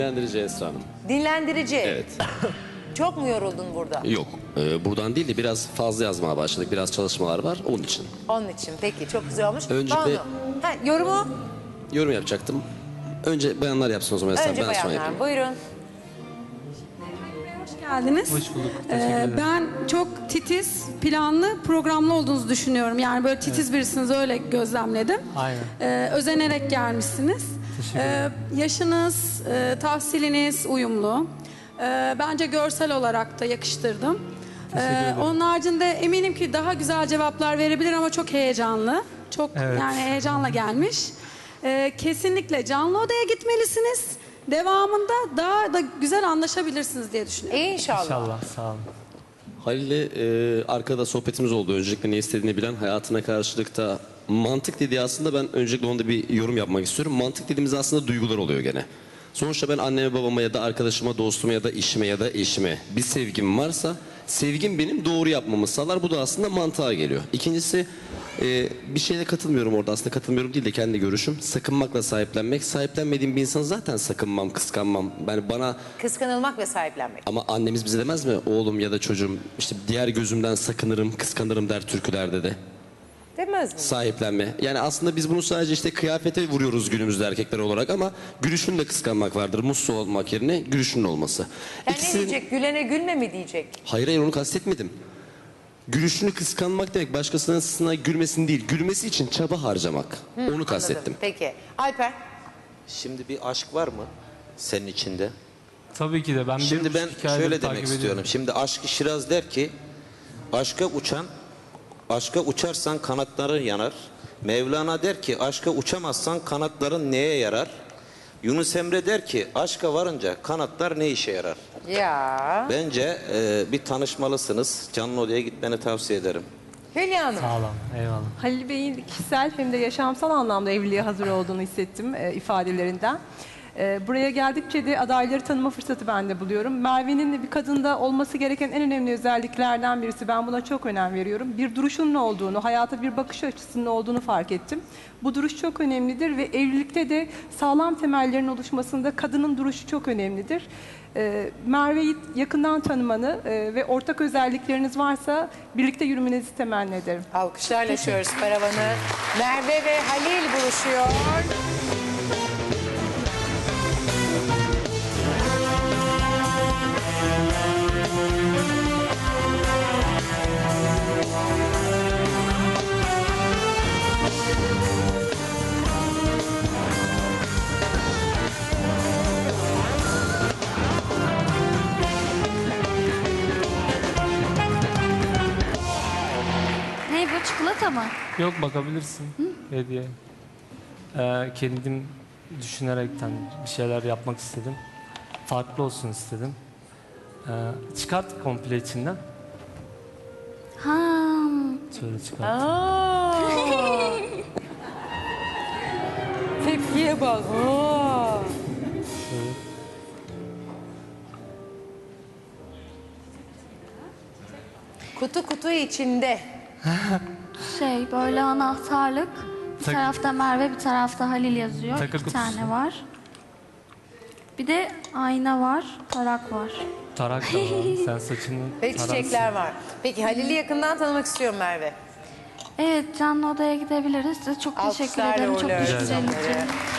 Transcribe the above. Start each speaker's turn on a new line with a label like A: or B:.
A: Dinlendirici Esra Hanım.
B: Dinlendirici.
A: Evet.
B: Çok mu yoruldun burada?
A: Yok. Buradan değil de biraz fazla yazmaya başladık. Biraz çalışmalar var onun için.
B: Onun için. Peki çok güzel olmuş.
A: Öncelikle-
B: Banu, yorumu
A: Yorum yapacaktım. Önce bayanlar yapsın o zaman Esra Hanım.
B: önce
A: Ben sonra
B: bayanlar.
A: yapayım.
B: Buyurun.
C: Hoş geldiniz.
D: Hoş bulduk. Teşekkür ederim.
C: Ben çok titiz, planlı, programlı olduğunuzu düşünüyorum. Yani böyle titiz birisiniz, öyle gözlemledim.
D: Aynen.
C: Özenerek gelmişsiniz.
D: Teşekkür ederim.
C: Yaşınız, tahsiliniz uyumlu. Bence görsel olarak da yakıştırdım.
D: Teşekkür ederim.
C: Onun haricinde eminim ki daha güzel cevaplar verebilir ama çok heyecanlı. Çok
D: Evet.
C: yani heyecanla gelmiş. Kesinlikle canlı odaya gitmelisiniz. Devamında daha da güzel anlaşabilirsiniz diye düşünüyorum.
B: İnşallah.
D: İnşallah. Sağ olun.
A: Halil'le arkada sohbetimiz oldu. Öncelikle ne istediğini bilen, hayatına karşılık da mantık dediği aslında ben öncelikle onda bir yorum yapmak istiyorum. Mantık dediğimiz aslında duygular oluyor gene. Sonuçta ben anneme, babama ya da arkadaşıma, dostuma ya da işime ya da eşime bir sevgim varsa sevgim benim doğru yapmamı sağlar. Bu da aslında mantığa geliyor. İkincisi bir şeyle katılmıyorum orada. Aslında katılmıyorum değil de kendi görüşüm. Sakınmakla sahiplenmek. Sahiplenmediğim bir insan zaten sakınmam, kıskanmam. Yani bana
B: Kıskanılmak ve sahiplenmek.
A: ama annemiz bize demez mi? Oğlum ya da çocuğum işte diğer gözümden sakınırım, kıskanırım der türkülerde de.
B: Demez mi?
A: Sahiplenme. Yani aslında biz bunu sadece işte kıyafete vuruyoruz günümüzde erkekler olarak ama gülüşünü de kıskanmak vardır. Mutsuz olmak yerine gülüşünün olması.
B: Yani ne diyecek? Gülene gülme mi diyecek?
A: Hayır onu kastetmedim. Gülüşünü kıskanmak demek başkasının sana gülmesini değil, gülmesi için çaba harcamak. Onu kastettim.
B: Anladım. Peki. Alper.
E: Şimdi bir aşk var mı senin içinde?
D: Tabii ki de. Ben
E: Şimdi
D: bir
E: ben
D: buçuk hikayedir
E: şöyle
D: takip
E: demek
D: ediyorum.
E: istiyorum. Şimdi Aşk-ı Şiraz der ki aşka uçarsan kanatların yanar. Mevlana der ki aşka uçamazsan kanatların neye yarar? Yunus Emre der ki aşka varınca kanatlar ne işe yarar?
B: Ya.
E: Bence bir tanışmalısınız. Canlı odaya gitmeni tavsiye ederim.
B: Hülya Hanım.
D: Sağ olun. Eyvallah.
F: Halil Bey'in kişisel hem de yaşamsal anlamda evliliğe hazır olduğunu hissettim ifadelerinden. Buraya geldikçe de adayları tanıma fırsatı ben de buluyorum. Merve'nin bir kadında olması gereken en önemli özelliklerden birisi. Ben buna çok önem veriyorum. Bir duruşunun olduğunu, hayata bir bakış açısının olduğunu fark ettim. Bu duruş çok önemlidir ve evlilikte de sağlam temellerin oluşmasında kadının duruşu çok önemlidir. Merve'yi yakından tanımanı ve ortak özellikleriniz varsa birlikte yürümenizi temenni ederim.
B: Alkışlarla açıyoruz paravanı. Merve ve Halil buluşuyor.
G: Ne bu, çikolata mı?
D: Yok, bakabilirsin. Hediye. Kendim düşünerekten bir şeyler yapmak istedim. Farklı olsun istedim. Çıkart komple içinden.
G: Ha.
D: Şöyle çıkart.
B: Aa. Tepkiye bak. Aa.
D: Şöyle.
B: Kutu içinde.
G: Böyle anahtarlık. Bir
D: Tak-
G: tarafta Merve, bir tarafta Halil yazıyor.
D: Takı
G: İki
D: kutusu.
G: tane var. Bir de ayna var, tarak var.
D: Tarak da var. Sen saçını
B: Ve
D: tararsın.
B: çiçekler var. Peki Halil'i yakından tanımak istiyorum Merve.
G: Evet, canlı odaya gidebiliriz. Size çok teşekkür
B: Alkışlarla
G: ederim. Çok
B: uğurluyoruz
G: düşünceli
B: onları.
G: için.